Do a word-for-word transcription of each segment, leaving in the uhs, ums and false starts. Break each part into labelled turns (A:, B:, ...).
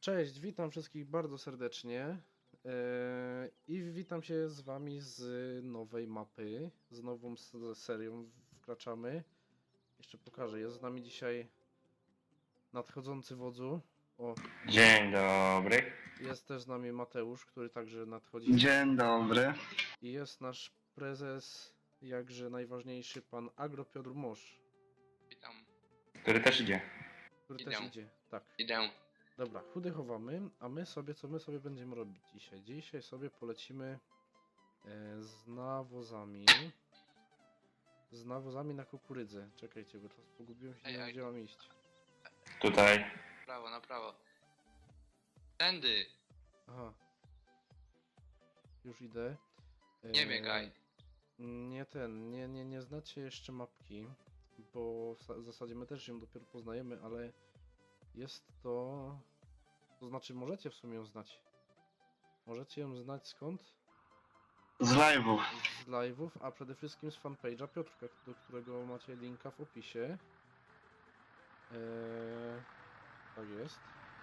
A: Cześć, witam wszystkich bardzo serdecznie yy, i witam się z wami z nowej mapy, z nową s- serią wkraczamy. Jeszcze pokażę, jest z nami dzisiaj nadchodzący wodzu. O,
B: Dzień dobry.
A: jest też z nami Mateusz, który także nadchodzi.
C: Dzień dobry.
A: I jest nasz prezes, jakże najważniejszy, pan Agro Piotr Mosz,
D: Witam.
B: Który też idzie.
A: który
D: Idę.
A: też idzie. Tak.
D: Idę.
A: Dobra, chudy chowamy, a my sobie, co my sobie będziemy robić dzisiaj? Dzisiaj sobie polecimy e, z nawozami. Z nawozami na kukurydzę. Czekajcie, bo teraz pogubiłem się, nie
D: Ej,
A: wiem
D: ej.
A: gdzie mam iść.
B: Tutaj.
D: Na prawo, na prawo. Tędy.
A: Aha. Już idę. E,
D: Nie biegaj.
A: Nie ten, nie, nie, nie znacie jeszcze mapki, bo w sa- w zasadzie my też ją dopiero poznajemy, ale jest to... To znaczy możecie w sumie ją znać. Możecie ją znać skąd?
C: Z live'ów.
A: Z live'ów, a przede wszystkim z fanpage'a Piotrka, do którego macie linka w opisie. Eee, tak jest.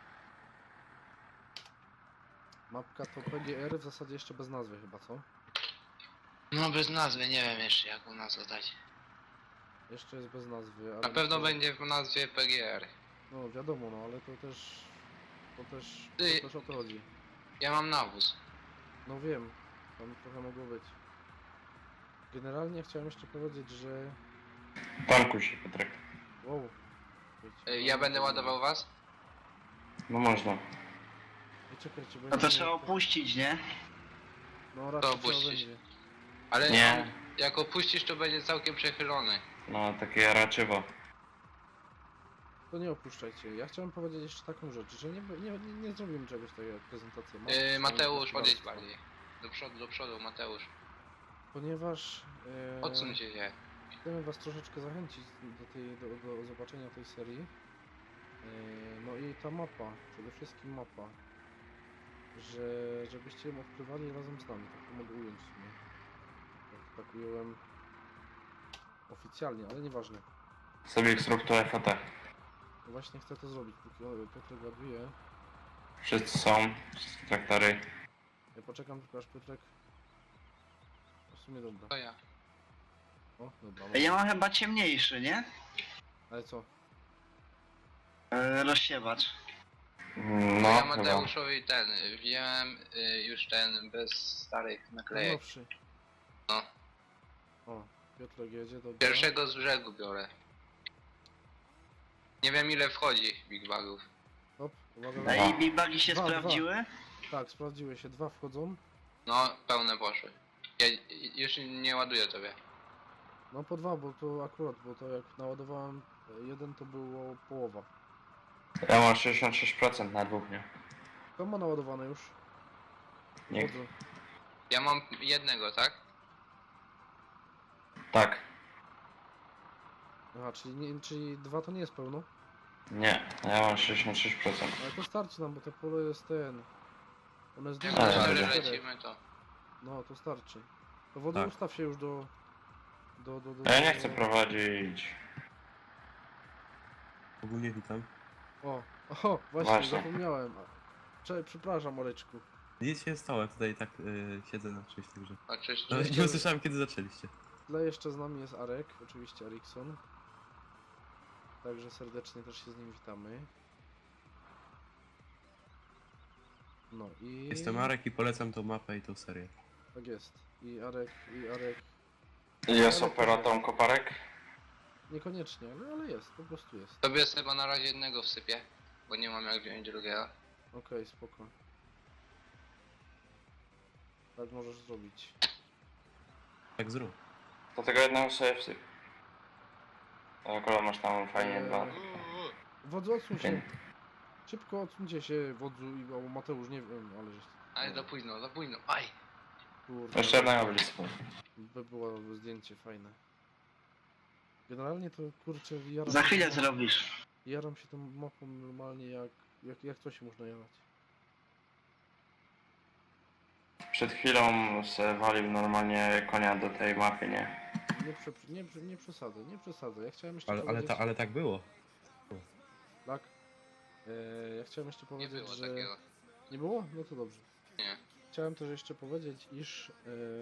A: Mapka to P G R, w zasadzie jeszcze bez nazwy chyba, co?
D: No bez nazwy, nie wiem jeszcze jaką nazwę dać.
A: Jeszcze jest bez nazwy, ale...
D: Na pewno
A: to-
D: będzie w nazwie P G R.
A: No wiadomo, no ale to też... To też...
D: Ty-
A: To też o to chodzi.
D: Ja mam nawóz.
A: No wiem, tam trochę mogło być. Generalnie chciałem jeszcze powiedzieć, że...
B: Tankuj się, Piotrek.
A: Wow. Wiecie,
D: Y, Ja będę ładował was?
B: No można.
A: I czekajcie,
C: No to
A: będzie-
C: trzeba opuścić, nie?
A: No raczej trzeba
D: opuścić.
A: będzie.
D: Ale
B: Nie.
D: jak opuścisz, to będzie całkiem przechylony.
B: No, takie jaraczywo.
A: To nie opuszczajcie. Ja chciałem powiedzieć jeszcze taką rzecz, że nie, nie, nie, nie zrobimy czegoś takiego jak prezentacja. mapy,
D: Yy,
A: czy
D: Mateusz,
A: tam
D: podejdź
A: gospodarstwa.
D: bardziej. Do przodu, do przodu, Mateusz.
A: Ponieważ e,
D: Odsuńcie się.
A: chcemy was troszeczkę zachęcić do, tej, do, do zobaczenia tej serii. E, no i ta mapa, przede wszystkim mapa, że żebyście ją odkrywali razem z nami, tak to mogę ująć w sumie. Tak, tak ująłem oficjalnie, ale nieważne.
B: Sobie zrób to F A T.
A: No właśnie chcę to zrobić, póki o, Piotrek ładuje.
B: Wszyscy są. Wszystkie traktory.
A: Ja poczekam tylko aż Piotrek... W sumie dobra.
D: To ja.
A: O, dobra.
C: Ej, Ja mam chyba ciemniejszy, nie?
A: Ale co?
C: E, rozsiewacz.
B: No,
D: ja
B: chyba.
D: Mateuszowi ten, wziąłem y, już ten bez starych naklejek.
A: Nowszy.
D: No.
A: O, Piotrek jedzie, dobra.
D: Pierwszego z brzegu biorę. Nie wiem ile wchodzi Big Bagów.
A: Hop, uwaga.
B: Dwa.
C: Ej, big bugi się
A: Dwa,
C: sprawdziły?
A: Tak, sprawdziły się, dwa wchodzą.
D: No, pełne poszły. Ja już nie ładuję tobie.
A: No po dwa, bo to akurat, bo to jak naładowałem e, jeden, to było połowa.
B: Ja mam sześćdziesiąt sześć procent na dwóch, nie?
A: To ma naładowane już.
B: Nie.
A: Wchodzę.
D: Ja mam jednego, tak?
B: Tak.
A: Aha, czyli, nie, czyli dwa to nie jest pełno.
B: Nie. Ja mam sześćdziesiąt sześć procent.
A: Ale to starczy nam, bo to pole jest ten... One jest
D: Jak
A: duże,
B: Ale
D: na
A: jest
B: dobra.
D: cztery
A: czterech.
D: lecimy to.
A: No, to starczy. To wody
B: Tak.
A: ustaw się już do... do, do, do
B: Ja nie chcę prowadzić.
E: Ogólnie witam.
A: O, o, właśnie,
B: Właśnie.
A: zapomniałem. Cze, przepraszam, Oleczku.
E: Nic się nie stało, ja tutaj tak y, siedzę na czymś, także...
D: Oczywiście.
E: No, nie usłyszałem kiedy zaczęliście.
A: W tle jeszcze z nami jest Arek, oczywiście Erikson. Także serdecznie też się z nim witamy. No i...
E: Jestem Marek i polecam tą mapę i tą serię.
A: Tak jest. I Arek, i Arek...
B: Jest operatorem koparek?
A: Niekoniecznie, ale, ale jest, po prostu jest.
D: Tobie chyba na razie jednego wsypię, bo nie mam jak wziąć drugiego.
A: Okej, spoko. Tak możesz zrobić.
E: Tak zrób.
B: Do tego jednego sobie wsyp. Akurat masz tam fajnie
A: Eee.
B: dwa.
A: Wodzu, odsuń się.
B: Pięć.
A: Szybko odsuńcie się, Wodzu i albo Mateusz, nie wiem, ale żeś...
D: Ale za późno, za późno. Aj!
A: Kurde,
B: Jeszcze jednego będzie spał.
A: by było zdjęcie fajne. Generalnie to kurczę, jaram
C: Za
A: się
C: chwilę
A: tą-
C: zrobisz.
A: Jaram się tą mapą normalnie jak, jak, jak to się można jarać.
B: Przed chwilą se walił normalnie konia do tej mapy, nie?
A: Nie, prze, nie, prze- nie przesadzę, nie przesadzę. Ja chciałem jeszcze
E: Ale, ale,
A: powiedzieć...
E: ta, ale tak było.
A: Tak? E, ja chciałem jeszcze
D: Nie
A: powiedzieć,
D: było
A: że...
D: takiego.
A: Nie było? No to dobrze.
D: Nie.
A: Chciałem też jeszcze powiedzieć, iż...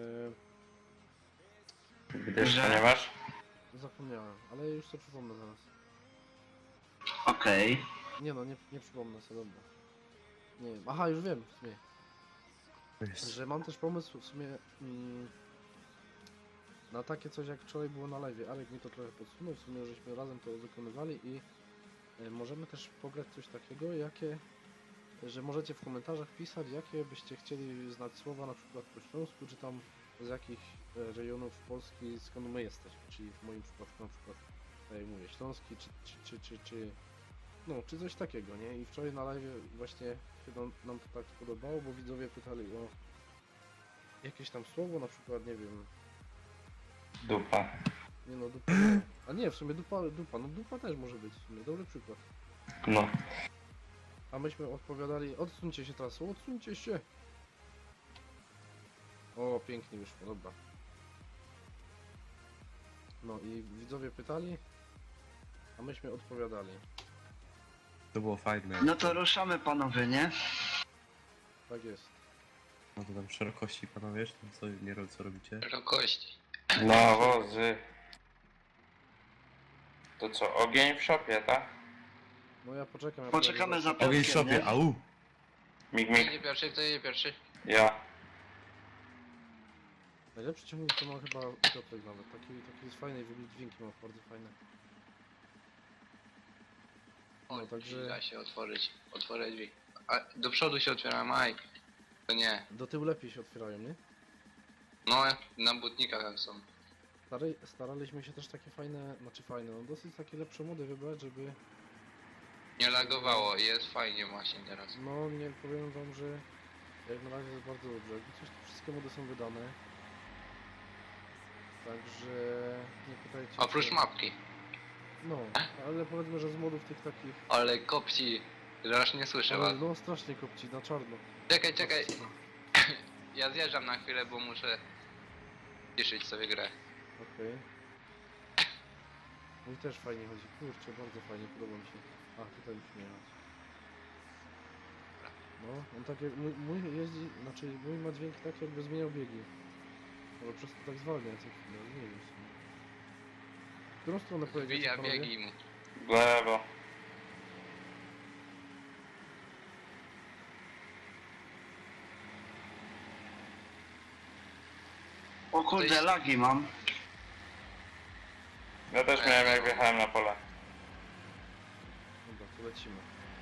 A: E,
B: Gdyż,
C: Że?
B: ponieważ...
A: zapomniałem, ale już to przypomnę zaraz.
C: Okej.
A: Nie no, nie, nie przypomnę sobie, dobra. Nie wiem. Aha, już wiem w sumie.
E: Jest.
A: Że mam też pomysł w sumie mm, na takie coś jak wczoraj było na live. Alek mi to trochę podsunął, w sumie żeśmy razem to wykonywali i e, możemy też pograć coś takiego, jakie, że możecie w komentarzach pisać, jakie byście chcieli znać słowa na przykład po śląsku, czy tam z jakich e, rejonów Polski, skąd my jesteśmy, czyli w moim przypadku na przykład, tak jak mówię, śląski, czy, czy, czy, czy, czy no, czy coś takiego, nie? I wczoraj na live właśnie się nam, nam to tak podobało, bo widzowie pytali o jakieś tam słowo, na przykład, nie wiem,
B: Dupa.
A: nie no, dupa, nie. A nie, w sumie dupa, dupa, no dupa też może być, w sumie, dobry przykład.
B: No.
A: A myśmy odpowiadali, odsuńcie się teraz, odsuńcie się! O, pięknie wyszło, dobra. No i widzowie pytali, a myśmy odpowiadali.
E: To było fajne.
C: No to ruszamy panowie, nie?
A: Tak jest.
E: No to tam szerokości panowie, czy tam co, nie ro- co robicie?
D: Szerokości.
B: No, wozy. To co, ogień w szopie, tak?
A: No ja poczekam. Ja
C: Poczekamy
A: pojadę
C: za
E: Ogień w
C: Piotrkiem,
E: szopie,
C: nie?
E: au!
B: Mig,
D: Kto
B: mig.
D: jedzie pierwszy? Kto jedzie pierwszy?
B: Ja.
A: Najlepszy ciągnik to ma chyba Piotrek nawet. Taki, taki jest fajny i w ogóle dźwięki ma bardzo fajne.
D: O,
A: No, także-
D: da się otworzyć. Otworzę drzwi. A do przodu się otwiera Maj. To nie.
A: Do tyłu lepiej się otwierają, nie?
D: No, na butnikach tam są.
A: Stary, staraliśmy się też takie fajne, znaczy fajne, no dosyć takie lepsze mody wybrać, żeby...
D: Nie lagowało i jest fajnie właśnie teraz.
A: No nie powiem wam, że jak na razie jest bardzo dobrze. Jakby coś, to wszystkie mody są wydane. Także nie pytajcie
D: Oprócz
A: się-
D: mapki.
A: No, ale powiedzmy, że z modów tych takich...
D: Ale kopci. że aż nie słyszę
A: Ale
D: was.
A: no strasznie kopci, na czarno.
D: Czekaj, czekaj. Ja zjeżdżam na chwilę, bo muszę ciszyć sobie grę.
A: Okej. Mój też fajnie chodzi, kurczę, bardzo fajnie, podoba mi się. A, tutaj musimy jechać. No, on tak jak, mój, mój jeździ, znaczy mój ma dźwięk tak jakby zmieniał biegi. Ale przez to tak zwalnia co chwilę, nie wiem w sumie. W którą stronę pojedziecie,
D: Wbija
A: panowie?
D: biegi mu.
B: W lewo.
C: O kurde, lagi mam.
B: Ja też miałem jak wjechałem na pole.
A: Dobra, to lecimy.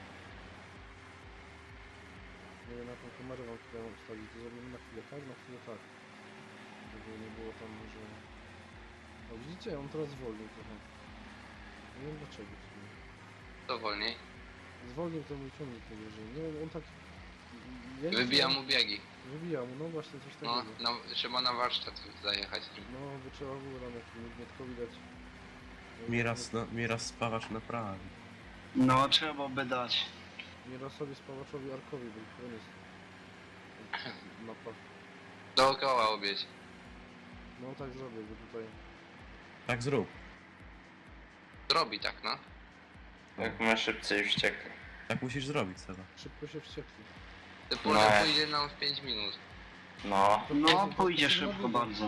A: Nie wiem, jaką kamerę wam tutaj mam ustawić, to zrobimy na chwilę tak, na chwilę tak. Żeby nie było tam, że... O, widzicie, on teraz zwolnił trochę. Nie wiem dlaczego w sumie.
D: To wolniej.
A: Zwolnił ten mój ciągnik najwyżej. Nie wiem, on tak... jeździ
D: Wybija
A: tam-
D: mu biegi.
A: Wybija mu, no właśnie coś
D: No,
A: takiego.
D: no, trzeba na warsztat zajechać.
A: No, by trzeba było tam jak Mietkowi dać.
E: Miraz, na, miraz spawacz naprawi.
C: No, trzeba by dać.
A: Mirasowi, Spawaczowi, Arkowi, bo to jest... Mapa.
D: Dookoła obieć.
A: No tak zrobię, bo tutaj...
E: Tak zrób.
D: Zrobi tak, no.
B: Jak my szybcy i wściekli.
E: Tak musisz zrobić, Seba.
A: Szybko się wściekli.
D: Te pole
B: No.
D: pójdzie nam w pięć minut.
B: No.
A: To
C: No,
A: powiedz-
C: pójdzie
A: powiedz-
C: szybko bardzo.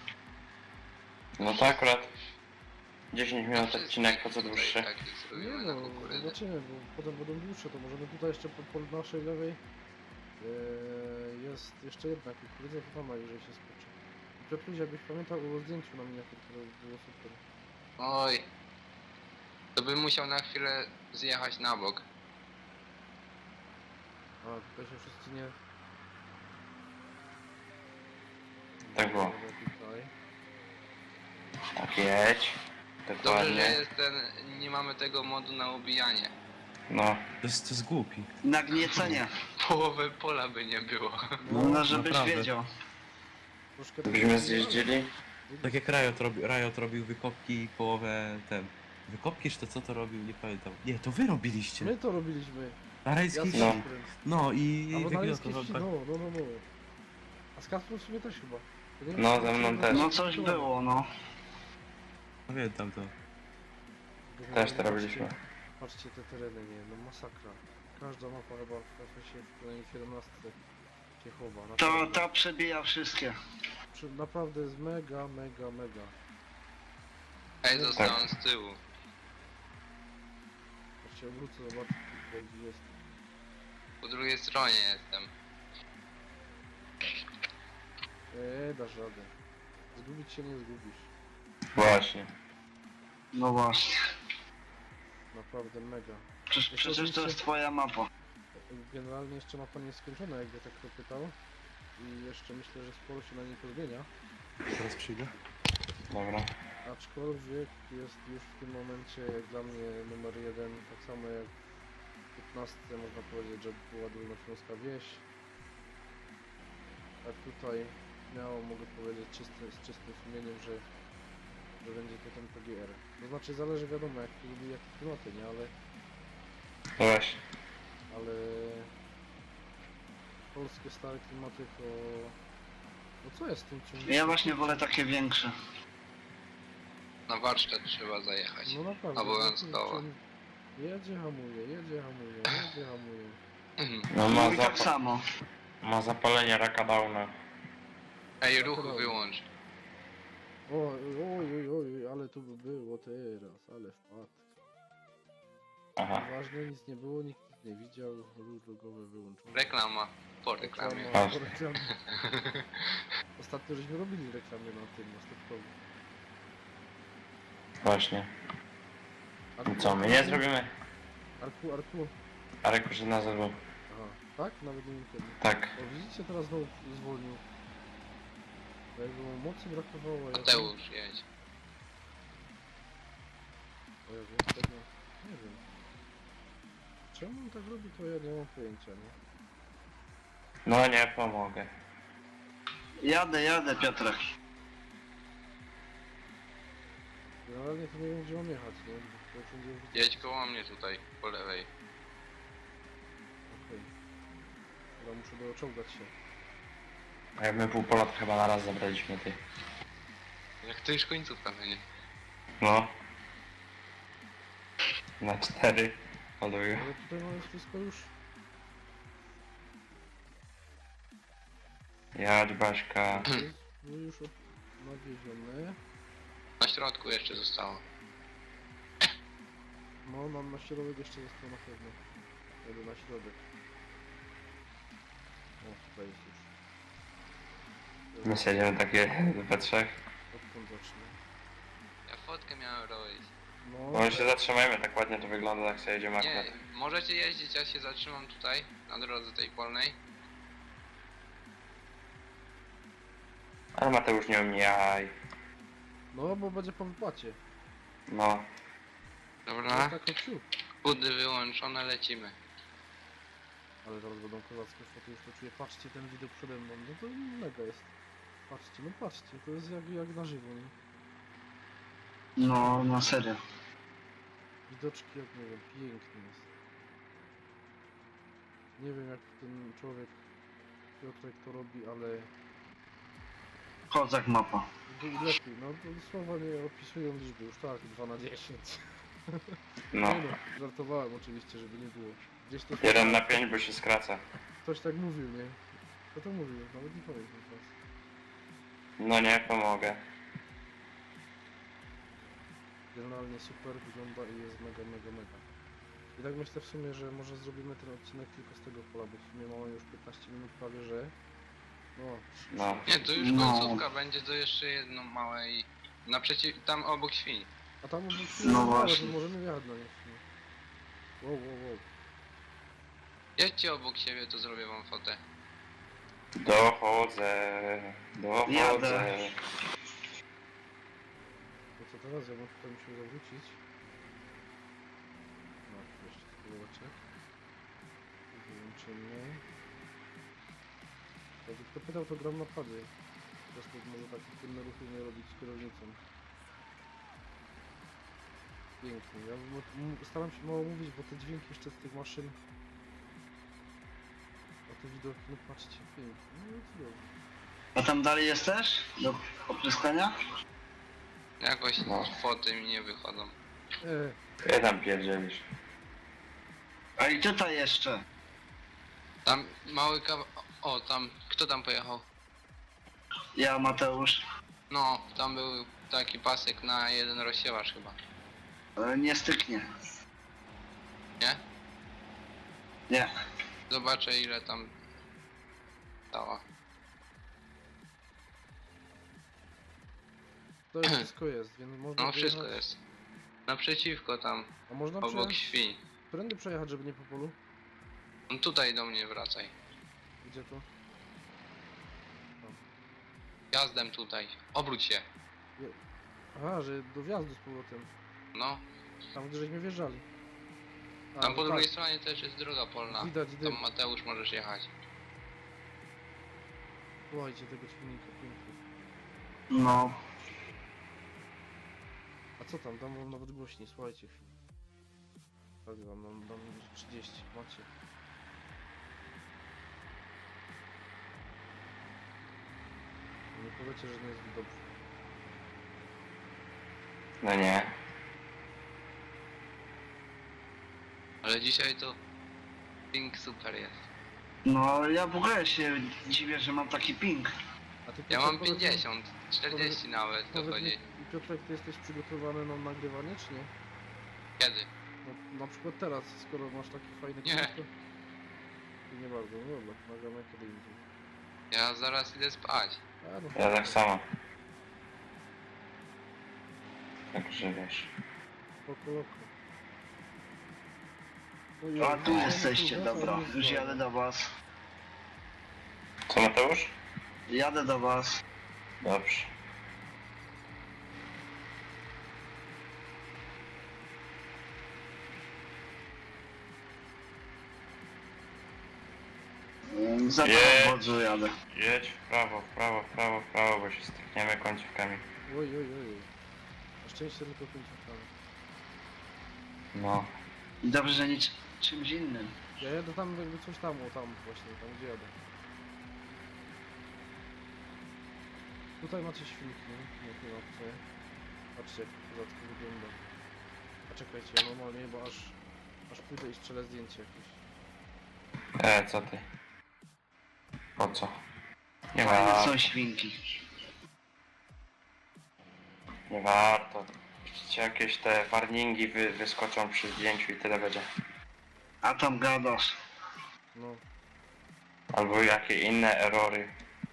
B: No to akurat dziesięć minut
D: Wszystkich
B: odcinek, po co
D: tutaj
B: dłuższy.
D: takich
A: Nie
D: zrobimy na
A: no,
D: kukurydzę.
A: zobaczymy, bo potem będą dłuższe, to możemy tutaj jeszcze po, po naszej lewej e, jest jeszcze jedna kukurydza, to tam najwyżej się skoczy. I Piotruś, jakbyś pamiętał o zdjęciu na miniaturce, to by było super.
D: Oj. To bym musiał na chwilę zjechać na bok.
A: A, tutaj się wszyscy nie...
B: Tak było.
A: Dobra, Tutaj.
B: Tak jedź.
D: Dobrze, że
B: Dokładnie.
D: jest ten, nie mamy tego modu na ubijanie.
B: No.
E: To jest, to jest głupi.
C: Nagniecenie.
D: Połowy pola by nie było.
C: No, no żebyś
E: naprawdę.
C: wiedział.
A: Troszkę tak-
B: Byśmy zjeździli.
E: Tak jak Riot, robi, Riot robił wykopki i połowę ten... Wykopki, czy to co to robił? Nie pamiętam. Nie, to wy robiliście.
A: My to robiliśmy.
E: Na rajskiej
A: Ja
E: wsi.
B: No.
E: No i...
A: Albo
E: i
A: na
E: wygląda
A: Rajskiej
E: to
A: Wsi,
E: tak.
A: no, no, no, no. A z Kasprem w sumie też chyba. To nie wiem,
B: No,
A: czy-
B: ze mną
A: czy-
B: też.
C: No coś było, no.
E: Pamiętam to.
B: Też to robiliśmy.
A: Patrzcie te tereny, nie, no masakra. Każda mapa chyba w F S ie w kolejnej siedemnastce się chowa.
C: To
A: Naprawdę.
C: ta przebija wszystkie.
A: Przy- Naprawdę jest mega, mega, mega.
D: Ej, zostałem z tyłu.
A: Aż się obrócę, zobaczę, gdzie jest.
D: Po drugiej stronie jestem.
A: Eee, dasz radę. Zgubić się nie zgubisz.
B: Właśnie.
C: No właśnie.
A: Naprawdę mega.
C: Przecież, przecież to jest twoja mapa.
A: Generalnie jeszcze mapa nie jest skończona, jakby tak kto pytał. I jeszcze myślę, że sporo się na niej pozmienia.
E: Teraz przyjdę.
B: Dobra.
A: Aczkolwiek jest już w tym momencie jak dla mnie numer jeden, tak samo jak w piętnastce można powiedzieć, że była Dolnośląska Wieś. A tutaj śmiało mogę powiedzieć czysty, z czystym sumieniem, że, że będzie to ten P G R. To znaczy zależy wiadomo jak to lubi, jakie klimaty, nie? Ale,
B: No właśnie.
A: ale polskie stare klimaty to... No co jest w tym ciągnikiem?
C: Ja właśnie wolę takie większe.
D: Na warsztat trzeba zajechać.
A: No naprawdę.
D: Obowiązkowo.
A: Jedzie, hamuje, jedzie, hamuje, jedzie, hamuje.
B: No ma,
C: No i tak
B: zapa
C: samo.
B: ma zapalenie raka downa.
D: Ej, ruch wyłącz.
A: Oj, oj, oj, oj, ale tu by było teraz, ale wpadł.
B: Aha.
A: Ważne, nic nie było, nikt nic nie widział, ruch drogowy wyłączony.
D: Reklama. Po reklamie.
A: Reklama, po reklamie. Ostatnio żeśmy robili reklamę na tym, na stopkowi.
B: Właśnie.
A: Arku,
B: I co, my nie zrobimy?
A: Arku, Arku.
B: Arek już na zero.
A: Aha, tak? Nawet nie wiem kiedy.
B: Tak.
A: O, widzicie, teraz znowu zwolnił. Jakby mu mocy brakowało, ja...
D: Mateusz, jedź.
A: O Jezu, tego... nie wiem. Czemu on tak robi, to ja nie mam pojęcia, nie?
B: No nie pomogę.
C: Jadę, jadę, Piotrek.
A: Generalnie to nie wiem, gdzie mam jechać, nie? Bo to wszędzie widzę.
D: Jedź koło mnie tutaj, po lewej.
A: Okej. Chyba muszę doczołgać się.
B: A jak my pół pola to chyba na raz zabraliśmy ty.
D: Jak to już końcówka będzie.
B: No. Na cztery. Ładuję.
A: Ale tutaj mamy wszystko już...
B: Jadź Baśka.
A: No już od- nawiezione.
D: Na środku jeszcze zostało.
A: No, nam na środek jeszcze został na pewno. Jadę na środek. O, tutaj jest już.
B: My siedziemy takie we trzech.
A: Odkąd zacznę?
D: Ja fotkę miałem robić.
A: No,
B: Może się zatrzymajmy, tak ładnie to wygląda, jak sobie jedziemy
D: Nie,
B: akurat.
D: możecie jeździć, ja się zatrzymam tutaj, na drodze tej polnej.
B: Ale Mateusz nie omijaj.
A: no, bo będzie po wypłacie.
B: No.
A: No
D: Dobra,
A: tak o ciu.
D: budy wyłączone, lecimy.
A: Ale zaraz będą kozackie foty, już to czuję. Patrzcie ten widok przede mną, no to mega jest. Patrzcie, no patrzcie, to jest jak, jak na żywo, nie?
C: No, na serio.
A: Widoczki jak nie wiem, piękny jest. Nie wiem jak ten człowiek Piotrek to robi, ale
C: Kozak mapa.
A: był lepiej, no to słowa nie opisują liczby, już tak, dwa na dziesięć.
B: No.
A: Nie no, żartowałem oczywiście, żeby nie było. Gdzieś to
B: jeden na pięć, bo się skraca.
A: ktoś tak mówił, nie? Kto to mówił? Nawet nie pamiętam teraz.
B: No nie pomogę.
A: Generalnie super wygląda i jest mega, mega, mega. I tak myślę w sumie, że może zrobimy ten odcinek tylko z tego pola, bo w sumie mamy już piętnaście minut prawie, że... No,
B: No.
D: Nie, to już
C: No.
D: końcówka będzie, to jeszcze jedno małe i... Naprzeciw... tam obok świń.
A: a tam obok
C: No właśnie.
A: możemy wjechać na nie w sumie. Wow, wow, wow.
D: Jedźcie obok siebie, to zrobię wam fotę.
B: Dochodzę. Dochodzę.
C: Jadę.
A: To co teraz? Ja bym tutaj musiał zawrócić. No, jeszcze spróbowacie. Wyłączymy. Jakby kto pytał, to gram na padzie. Po prostu może tak trudne ruchy nie robić z kierownicą. Pięknie. Ja m- m- staram się mało mówić, bo te dźwięki jeszcze z tych maszyn. A te widoki, no patrzcie, pięknie. No cudownie.
C: A tam dalej jesteś? Do opryskania?
D: Jakoś
B: No.
D: foty mi nie wychodzą.
A: E,
B: Ty tam pierdzielisz.
C: A i tutaj jeszcze.
D: Tam mały kawał... O, tam... Kto tam pojechał?
C: Ja, Mateusz.
D: No, tam był taki pasek na jeden rozsiewacz chyba.
C: E, Nie styknie.
D: Nie?
C: Nie.
D: Zobaczę ile tam... Dała.
A: To już wszystko jest, więc można
D: No wszystko
A: wyjechać-
D: jest. Naprzeciwko tam,
A: A można
D: obok
A: przejechać,
D: świń.
A: prędy przejechać, żeby nie po polu?
D: No tutaj do mnie wracaj.
A: Gdzie to?
D: Jazdem tutaj. Obróć się.
A: Aha, że do wjazdu z powrotem.
D: No.
A: Tam, gdzie żeśmy wjeżdżali. A,
D: Tam
A: no
D: po
A: tak,
D: drugiej stronie też jest droga polna.
A: Widać dym.
D: Tam Mateusz możesz jechać.
A: Słuchajcie tego silnika, pięknie.
C: No.
A: A co tam? Dam wam nawet głośniej, słuchajcie chwilę. Tak, dam, dam, dam trzydzieści, macie. Nie powiecie, że nie jest dobrze.
B: No nie.
D: Ale dzisiaj to... Pink super jest.
C: No, ja w ogóle się dziwię, że mam taki ping.
A: A ty,
D: Ja
A: Piotrek,
D: mam
A: powiedz mi-
D: pięćdziesiąt, czterdzieści nawet
A: powiedz mi,
D: dochodzi.
A: Piotrek, ty jesteś przygotowany na nagrywanie, czy nie?
D: Kiedy?
A: No, na przykład teraz, skoro masz taki fajny
D: Nie.
A: klimat, to... to nie bardzo, no dobra, nagramy kiedy indziej.
D: Ja zaraz idę spać.
A: A, no
B: Ja tak samo. Także wiesz.
A: spoko, loko. Ojej,
C: A tu
A: no,
C: jesteście,
A: tu,
C: dobra.
A: no,
C: Już jadę do was.
B: Co, Mateusz?
C: Jadę do was.
B: Dobrze.
C: Mm, Za
B: Nie.
C: to wodzu jadę.
B: Jedź w prawo, w prawo, w prawo, w prawo, bo się stykniemy końcówkami.
A: Oj, oj, oj. Na szczęście tylko końcówkami.
B: No.
C: I dobrze, że nic czymś innym.
A: Ja jadę tam jakby coś tam, o tam właśnie, tam gdzie jadę. Tutaj macie świnki, nie? Nie chyba co? Patrzcie jak to kozacko wygląda. A czekajcie, ja normalnie chyba aż, aż pójdę i strzelę zdjęcie jakieś.
B: E, co ty? Po co? Nie
C: Fajne
B: warto,
C: są świnki.
B: nie warto. Widzicie, jakieś te warningi wy, wyskoczą przy zdjęciu i tyle będzie.
C: A tam gadasz.
A: No,
B: Albo jakie inne erory.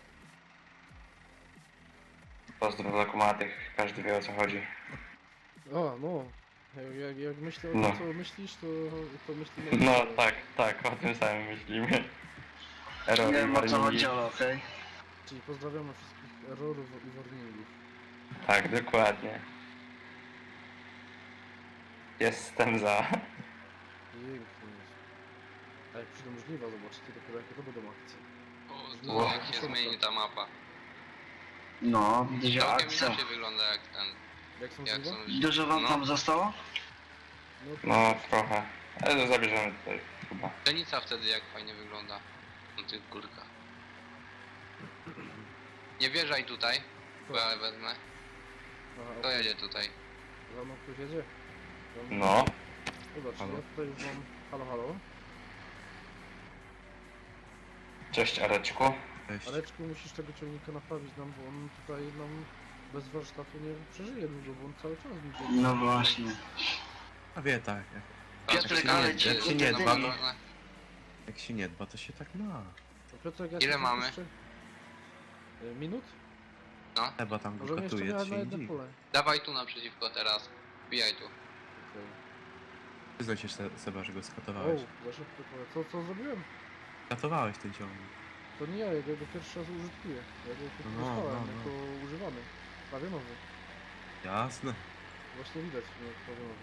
B: Pozdro dla kumatych, każdy wie o co chodzi.
A: o, no. Jak, jak, jak myślę o
B: No.
A: tym, co myślisz, to, to myślimy...
B: No
A: że-
B: tak, tak, o tym samym myślimy.
C: Nie
B: Erory,
C: wiem o co
B: warningi.
C: chodzi, ale okej.
A: Czyli pozdrawiamy wszystkich errorów i warningów.
B: Tak, dokładnie. Jestem za.
A: Pięknie jest. A jak przyjdą żniwa, zobaczycie dopiero jakie to będą akcje.
D: O,
B: Wow.
D: to jak się zmieni ta mapa.
C: No, dużo
D: Całkiem
C: akcja.
D: inaczej wygląda jak ten...
A: Jak są
D: Jak
A: żniwa?
D: są...
C: Dużo wam
D: No.
C: tam zostało?
A: No,
B: No trochę. Ale to zabierzemy tutaj chyba.
D: Pszenica wtedy jak fajnie wygląda. Na tych górkach. Nie wjeżdżaj tutaj, bo ja wezmę.
A: Aha,
D: To
A: okej.
D: jedzie tutaj.
A: Za mną ktoś jedzie? Za mną-
B: No.
A: Zobacz,
E: Halo?
A: ja tutaj już mam... Halo, halo?
B: Cześć Areczku.
E: Cześć.
A: Aleczku, musisz tego ciągnika naprawić nam, bo on tutaj nam bez warsztatu nie przeżyje długo, bo on cały czas mi biegnie.
C: No właśnie.
E: A wie tak, jak,
C: Piotrek,
E: się
C: ale
E: nie-
C: ci
E: jak się nie
C: utrudnili.
E: dba, to- jak się nie dba, to się tak ma.
A: To Piotrek, ja
D: Ile
A: ci
D: mamy?
A: Jeszcze... Y, Minut?
E: Chyba tam go
A: Możemy jeszcze
E: katuje,
A: jechać
E: to
A: na
E: się
A: jedno
E: nie dziwi.
A: pole.
D: Dawaj tu naprzeciwko teraz. Wbijaj tu.
A: Okej.
E: Przyznaj się Se- Seba, że go
A: O,
E: skatowałeś.
A: za szybko pole. Co, co zrobiłem?
E: Skatowałeś ten ciągnik.
A: To nie ja, ja go pierwszy raz użytkuję. Ja go tylko
E: No,
A: dostałem
E: no, no.
A: jako używany. Prawie nowy.
E: Jasne.
A: Właśnie widać, nie jak prawie nowy.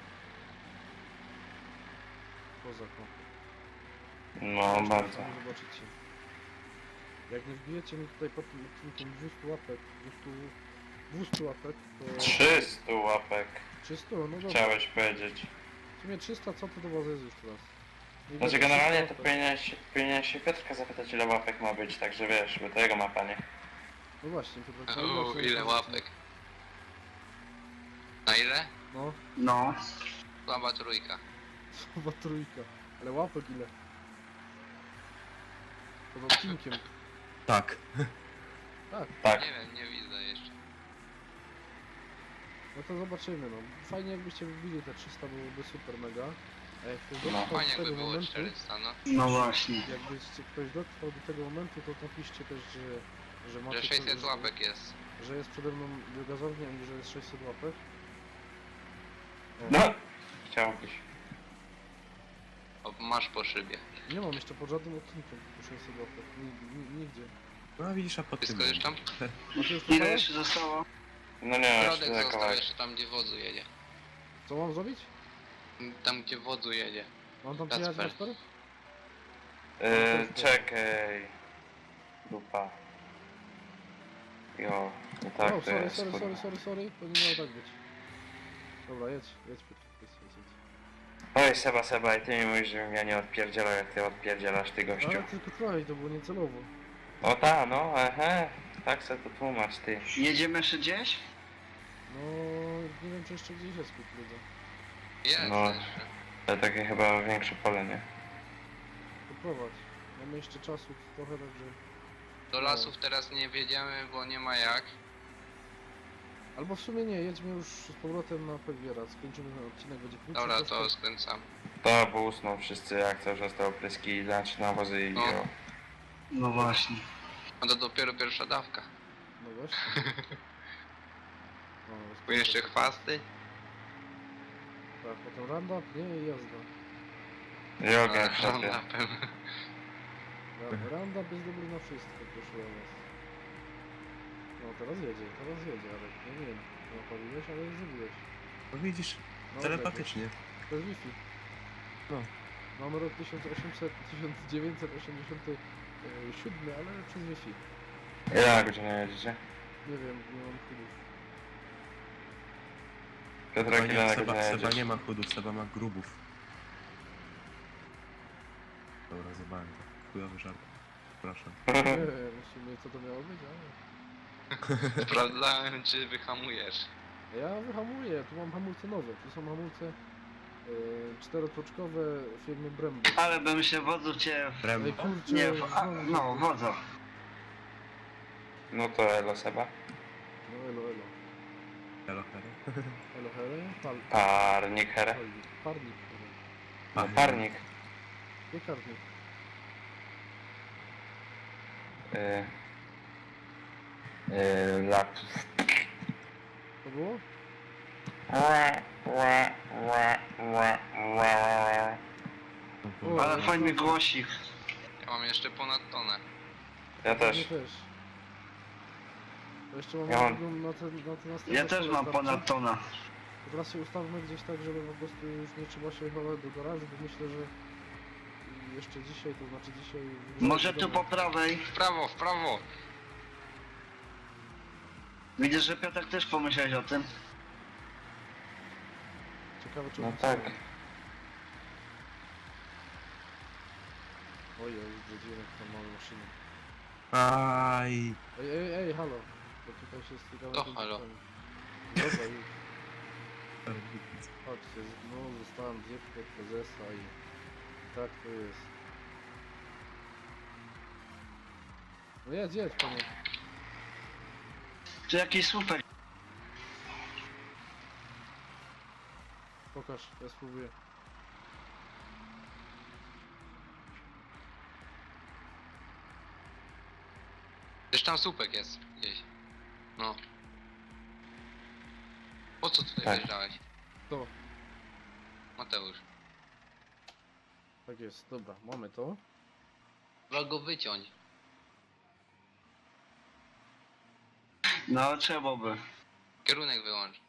A: Kozak, no.
B: No
A: Zresztą
B: bardzo.
A: sami zobaczycie. Jak nie wbijecie mi tutaj pod tym odcinkiem dwieście łapek, dwieście, dwieście łapek, to...
B: trzysta łapek.
A: trzysta? No dobra.
B: Chciałeś powiedzieć.
A: W sumie trzysta, co to do was jest już teraz? Nie
B: Znaczy
A: wiem,
B: generalnie to
A: trzysta łapek.
B: powinieneś, powinieneś się Piotrka zapytać ile łapek ma być, także wiesz, bo to jego mapa, nie?
A: No właśnie, to tak
D: Uuu, ile łapek. Na ile?
A: No,
C: No.
D: Słaba trójka.
A: słowa trójka. Ale łapek ile? Pod odcinkiem.
E: Tak.
A: Tak,
B: Tak.
D: Nie wiem, nie widzę jeszcze.
A: no to zobaczymy, no. Fajnie jakbyście wybili te trzysta, byłoby super mega. A jak ktoś
B: No,
A: dotrwał
D: Fajnie
A: do
D: jakby
A: tego
D: było
A: momentu,
D: czterysta, no.
C: No właśnie.
A: jakbyście ktoś dotrwał do tego momentu, to napiszcie też, że, że macie...
D: Że sześćset
A: że-
D: łapek jest.
A: Że jest przede mną biogazownia i że jest sześćset łapek. O,
B: No. Chciałbyś.
D: O, masz po szybie.
A: Nie mam jeszcze pod żadnym odcinkiem po sześćset łapek. Ni- ni- Nigdzie.
E: No widzisz, a po tym...
D: Wszystko już tam?
A: Macie już
C: Ile
A: przepalać?
C: jeszcze zostało?
B: No nie, jeszcze
D: Środek
B: za
D: został
B: kawałek.
D: jeszcze tam, gdzie wodzu jedzie.
A: Co mam zrobić?
D: Tam, gdzie wodzu jedzie.
A: Mam tam
D: Kacper.
A: przyjechać Kasper?
B: Yy, czekaj. Dupa. Jo, no tak
A: o,
B: to
A: sorry,
B: jest.
A: sorry,
B: kurwa.
A: sorry, sorry, sorry, to nie miało tak być. Dobra, jedź, jedź, Piotr, jedź, jedź, jedź.
B: Oj, Seba, Seba, i ty mi mówisz, żebym ja nie odpierdzielał, jak ty odpierdzielasz, ty gościu.
A: Ale tylko trochę, to było niecelowo.
B: O ta, no, ehe. Tak se to tłumacz, ty.
C: Jedziemy jeszcze gdzieś?
A: No, nie wiem, czy jeszcze gdzieś jest kukurydza.
D: Jest
B: No.
D: jeszcze.
B: To takie chyba większe pole, nie?
A: Poprowadź. Mamy jeszcze czasu trochę, także...
D: Do lasów teraz nie wjedziemy, bo nie ma jak.
A: Albo w sumie nie, jedźmy już z powrotem na Pegwiera, skończymy ten odcinek, będzie krótszy.
D: Dobra,
A: troszkę.
D: to skręcam.
B: To, bo usną wszyscy, jak cały czas te opryski, znaczy nawozy i
D: No.
B: o.
C: No właśnie.
D: A to dopiero pierwsza dawka.
A: No właśnie. No,
D: Bo jeszcze chwasty.
A: Tak, potem roundup, nie, i jazda.
B: Jogę w szopie.
D: Roundupem.
A: Ra- Roundup jest dobry na wszystko, proszę ja was. No teraz jedzie, teraz jedzie, ale nie wiem, napaliłeś, ale zrobiłeś.
E: No widzisz,
A: No,
E: telepatycznie.
A: lepiej. To jest Wi-Fi.
E: No.
A: Mamy rok tysiąc osiemset, tysiąc dziewięćset osiemdziesiąty siódmy, ale przez Wi-Fi.
B: Ile godzina jedziecie?
A: Nie wiem, nie mam chudów.
B: Piotrek,
E: Seba
B: ile
E: nie,
B: na
E: Seba,
B: godzinę
E: Seba
B: jedziesz?
E: nie ma chudów, Seba ma grubów. Dobra, zobaczę to. Chujowy żart. Przepraszam.
A: Nie wiem, w sumie co to miało być, ale...
D: Sprawdzałem, czy wyhamujesz.
A: Ja wyhamuję, tu mam hamulce nowe, tu są hamulce yy, czterotoczkowe firmy Brembo.
C: Ale bym się wodzu cię...
A: Ej
E: Brembo.
A: kurczę,
C: Nie, w... a,
A: znowu-
C: no wodzu.
B: No to elo, Seba.
A: No elo, elo.
E: Hello, hello.
A: Elo, hele, pal...
B: Parnik, here.
A: Parnik, parnik, hele.
B: No,
E: Panie.
B: parnik.
A: Piekarnik.
B: Yy. Yy, laptop.
A: To było? O,
C: Ale
A: no
C: fajny
A: to-
C: głosik.
D: Ja mam jeszcze ponad tonę.
B: Ja
A: Ja
B: też.
A: też. To jeszcze mam
B: Ja mam-
A: drugą na te, na te następne
C: Ja też
A: pole
C: mam
A: starczy.
C: ponad tona.
A: To teraz się ustawmy gdzieś tak, żeby po prostu już nie trzeba się chować do garażu, bo myślę, że jeszcze dzisiaj, to znaczy dzisiaj...
C: Może tu po prawej.
D: W prawo, w prawo!
C: Widzę, że Piotr też pomyślałeś o tym.
A: Ciekawe czy
B: No
A: on
B: tak.
A: wstanie. Oj, oj, widzimy tam mamy maszynę.
E: Aj.
A: Ej, ej, ej, halo. Bo tutaj się stykamy...
D: To
A: tymi
D: halo.
A: rzeczami. Dobra, już. Chodźcie, no zostałem dziewkę prezesa i tak to jest. No jedź, jedź panie.
C: Tu jakiś słupek.
A: Pokaż, ja spróbuję.
D: Gdzieś tam słupek jest gdzieś. No. Po co tutaj
B: Tak.
D: wjeżdżałeś?
A: To,
D: Mateusz.
A: tak jest, dobra, mamy to.
D: Trzeba go wyciąć.
C: No trzeba by.
D: Kierunek wyłącz.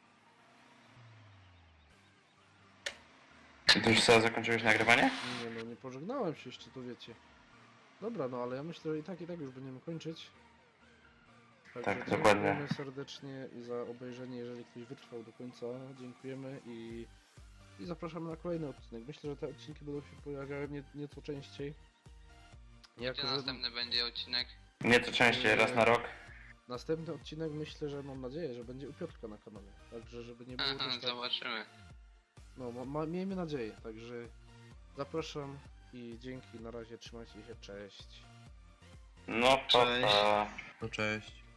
B: Czy ty już sobie zakończyłeś nagrywanie?
A: Nie no, nie pożegnałem się jeszcze, to wiecie. Dobra, no ale ja myślę, że i tak, i tak już będziemy kończyć. Także
B: Tak, dokładnie.
A: dziękujemy serdecznie i za obejrzenie, jeżeli ktoś wytrwał do końca. Dziękujemy i, i zapraszamy na kolejny odcinek. Myślę, że te odcinki będą się pojawiały nie, nieco częściej. Jako,
D: Gdzie
A: że
D: następny będzie odcinek?
B: Nieco częściej, raz na rok.
A: następny odcinek myślę, że mam nadzieję, że będzie u Piotrka na kanale. Także żeby nie było
D: Aha,
A: też tak...
D: zobaczymy.
A: No, ma, ma, miejmy nadzieję, także Zapraszam i dzięki, na razie, trzymajcie się, cześć.
B: No to
C: Cześć.
B: pa.
E: No cześć.